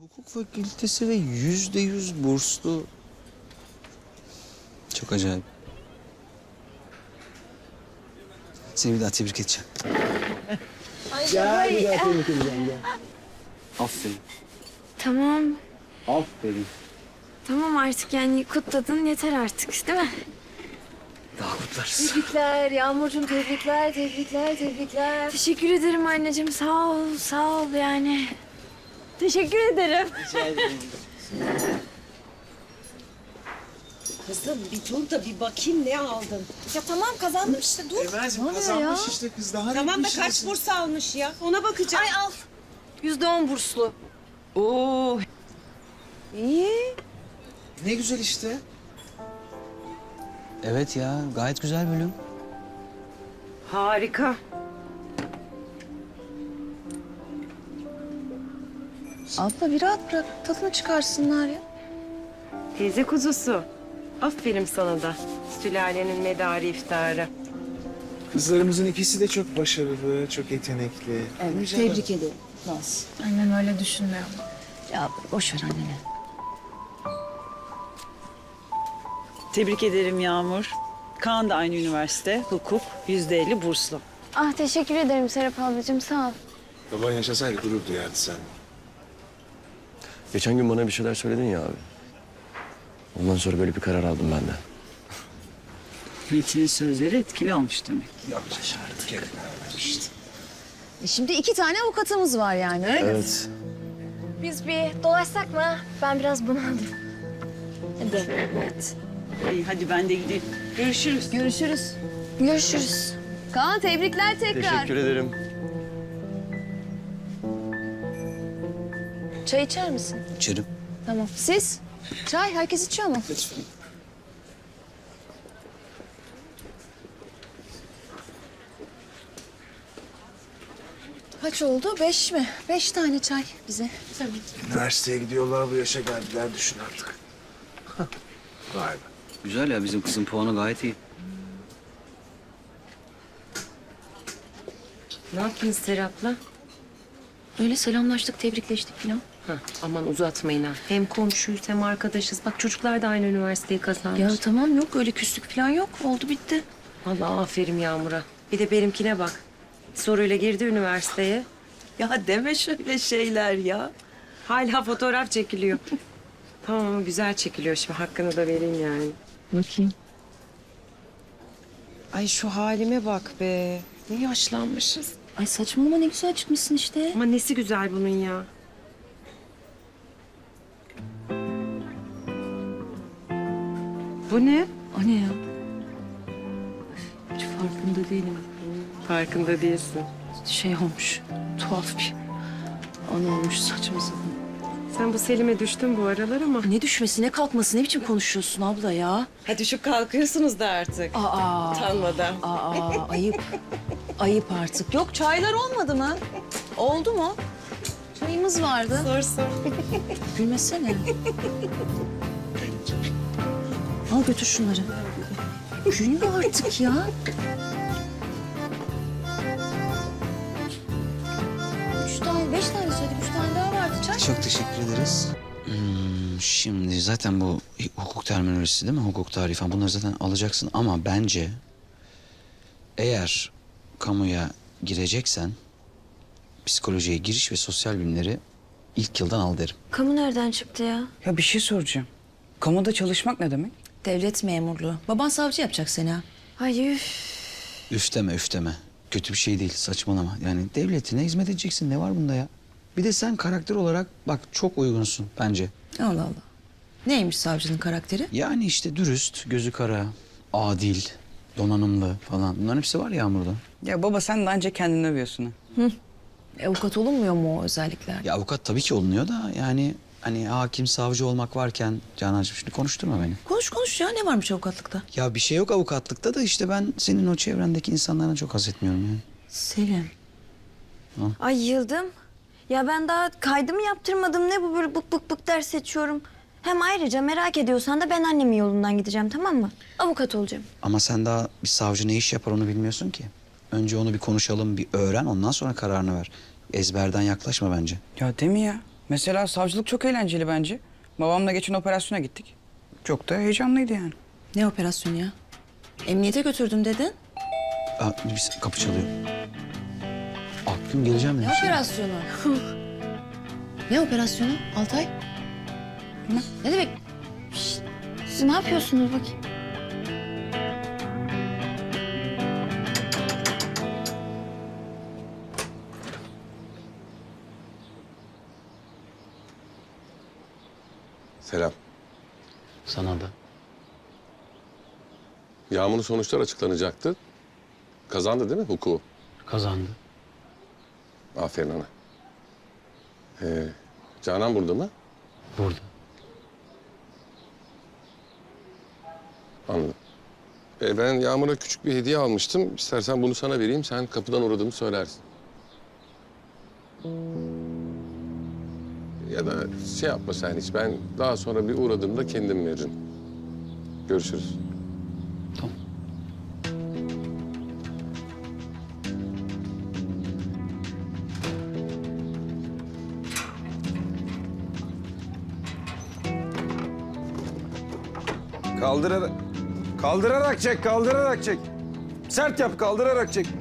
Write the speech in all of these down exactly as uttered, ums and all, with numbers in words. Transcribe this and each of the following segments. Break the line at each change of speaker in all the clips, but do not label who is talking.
Hukuk fakültesi ve yüzde yüz burslu. Çok acayip. Seni bir daha tebrik edeceğim.
Gel bir daha tebrik edeceğim gel.
Aferin.
Tamam.
Aferin.
Tamam artık yani kutladın yeter artık değil mi?
Daha kutlarız.
Tebrikler Yağmurcuğum, tebrikler, tebrikler, tebrikler.
Teşekkür ederim anneciğim. Sağ ol, sağ ol yani. Teşekkür ederim.
Kızım bir dur da bir bakayım ne aldın.
Ya tamam kazandım işte dur.
Emel'cim kazanmış işte kız daha
Tamam
ne
da
bir
kaç
şeysin?
burs almış ya? Ona bakacağım.
Ay al. Yüzde on burslu.
Oo.
İyi.
Ne güzel işte.
Evet ya, gayet güzel bölüm.
Harika.
Abla bir rahat bırak. Tadını çıkarsınlar ya.
Teyze kuzusu. Aferin sana da. Sülalenin medarı iftarı.
Kızlarımızın ikisi de çok başarılı, çok yetenekli. Evet,
Tebrik ederim. Naz.
Annem öyle düşünmüyor.
Ya boş ver anneni.
Tebrik ederim Yağmur. Kaan da aynı üniversite, hukuk, yüzde elli burslu.
Ah teşekkür ederim Serap ablacığım sağ ol.
Baban yaşasaydı gurur duyardı sen.
Geçen gün bana bir şeyler söyledin ya abi. Ondan sonra böyle bir karar aldım ben de.
Metin'in sözleri etkili olmuş demek.
E şimdi iki tane avukatımız var yani öyle mi?
Evet.
Biz bir dolaşsak mı? Ben biraz bunaldım.
Hadi. Evet.
İyi hadi ben de gideyim. Görüşürüz.
Görüşürüz.
Görüşürüz.
Kaan tebrikler tekrar.
Teşekkür ederim.
Çay içer misin?
İçerim.
Tamam. Siz? Çay herkes içiyor mu?
Lütfen.
Kaç oldu? Beş mi? Beş tane çay bize. Tamam.
Üniversiteye gidiyorlar, bu yaşa geldiler, düşün artık. Vay be.
Güzel ya, bizim kızın puanı gayet iyi.
Ne yapıyorsun Serap'la?
Öyle selamlaştık, tebrikleştik falan.
Hah, aman uzatmayın ha. Hem komşuyuz hem arkadaşız. Bak çocuklar da aynı üniversiteyi kazanmış.
Ya tamam yok öyle küslük falan yok. Oldu bitti.
Vallahi aferin Yağmur'a. Bir de benimkine bak. Soruyla girdi üniversiteye. Ya deme şöyle şeyler ya. Hala fotoğraf çekiliyor. Tamam ama güzel çekiliyor şimdi. Hakkını da vereyim yani.
Bakayım.
Ay şu halime bak be. Ne yaşlanmışız.
Ay saçmalama ne güzel çıkmışsın işte.
Ama nesi güzel bunun ya. Bu ne?
O ne ya? Hiç farkında değilim.
Farkında değilsin.
Şey olmuş, tuhaf bir an olmuş saçma sapan.
Sen bu Selim'e düştün bu aralar ama.
Ne düşmesi, ne kalkması, ne biçim konuşuyorsun abla ya?
Ha düşüp kalkıyorsunuz da artık.
Aa,
Utanmadan.
aa, ayıp. Ayıp artık. Yok çaylar olmadı mı? Oldu mu? Çayımız vardı.
Sor sor.
Gülmesene. Al götür şunları. Gülme artık ya. Üç tane, beş tane söyledik. Üç tane daha vardı çay.
Çok teşekkür ederiz. Hmm, şimdi zaten bu hukuk terminolojisi değil mi? Hukuk tarihi falan bunları zaten alacaksın ama bence eğer kamuya gireceksen psikolojiye giriş ve sosyal bilimleri ilk yıldan al derim.
Kamu nereden çıktı ya?
Ya bir şey soracağım. Kamuda çalışmak ne demek?
Devlet memurluğu. Baban savcı yapacak seni ha.
Ay üf.
Üfteme üfteme. Kötü bir şey değil, saçmalama. Yani devletine hizmet edeceksin, ne var bunda ya? Bir de sen karakter olarak bak çok uygunsun bence.
Allah Allah. Neymiş savcının karakteri?
Yani işte dürüst, gözü kara, adil, donanımlı falan. Bunların hepsi var Yağmur'da.
Ya baba sen de ancak kendini övüyorsun ha.
E, avukat olunmuyor mu o özellikler?
Ya avukat tabii ki olunuyor da yani hani hakim, savcı olmak varken Canancığım şimdi konuşturma beni.
Konuş konuş ya ne varmış avukatlıkta?
Ya bir şey yok avukatlıkta da işte ben senin o çevrendeki insanlardan çok haz etmiyorum yani.
Selim.
Ay yıldım. Ya ben daha kaydımı yaptırmadım. Ne bu böyle bık bık bık ders seçiyorum. Hem ayrıca merak ediyorsan da ben annemin yolundan gideceğim tamam mı? Avukat olacağım.
Ama sen daha bir savcı ne iş yapar onu bilmiyorsun ki. Önce onu bir konuşalım, bir öğren ondan sonra kararını ver. Ezberden yaklaşma bence.
Ya değil mi ya?
Mesela savcılık çok eğlenceli bence. Babamla geçen operasyona gittik. Çok da heyecanlıydı yani.
Ne operasyonu ya? Emniyete götürdüm dedin.
Aa, bir kapı çalıyor. Akgün geleceğim
Ne
demiş.
operasyonu? Ne operasyonu Altay? Ne? Ne demek?
Siz ne yapıyorsunuz bakayım?
Selam.
Sana da.
Yağmur'un sonuçlar açıklanacaktı. Kazandı değil mi hukuku?
Kazandı.
Aferin ana. Ee, Canan burada mı?
Burada.
Anladım. Ee, ben Yağmur'a küçük bir hediye almıştım. İstersen bunu sana vereyim. Sen kapıdan uğradığımı söylersin. Ya da şey yapma sen hiç. Ben daha sonra bir uğradığımda kendim veririm. Görüşürüz.
Tamam.
Kaldırarak... Kaldırarak çek, kaldırarak çek. Sert yap, kaldırarak çek.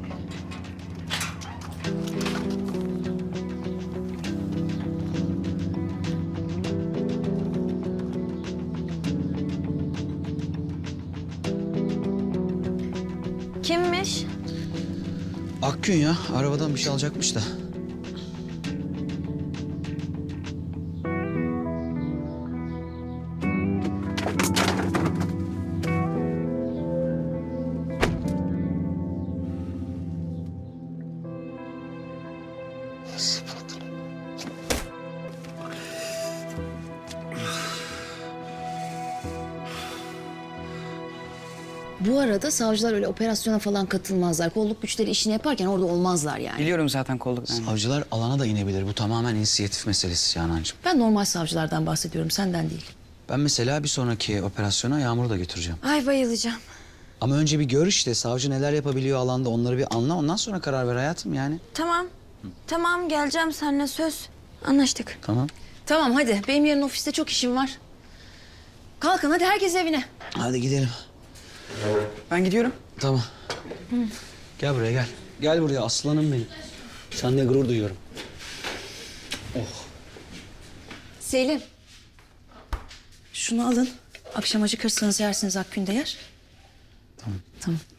Kimmiş?
Akgün ya. Arabadan bir şey alacakmış da.
Bu arada savcılar öyle operasyona falan katılmazlar. Kolluk güçleri işini yaparken orada olmazlar yani.
Biliyorum zaten kolluk. Yani.
Savcılar alana da inebilir. Bu tamamen inisiyatif meselesi Canancığım.
Ben normal savcılardan bahsediyorum, senden değil.
Ben mesela bir sonraki operasyona Yağmur'u da götüreceğim.
Ay bayılacağım.
Ama önce bir gör işte. Savcı neler yapabiliyor alanda onları bir anla. Ondan sonra karar ver hayatım yani.
Tamam. Tamam geleceğim seninle söz. Anlaştık.
Tamam.
Tamam hadi, benim yarın ofiste çok işim var. Kalkın hadi, herkes evine.
Hadi gidelim.
Ben gidiyorum.
Tamam. Gel buraya gel. Gel buraya aslanım benim. Seninle gurur duyuyorum.
Selim. Şunu alın. Akşam acıkırsanız yersiniz, Akgün de yer.
Tamam.
Tamam.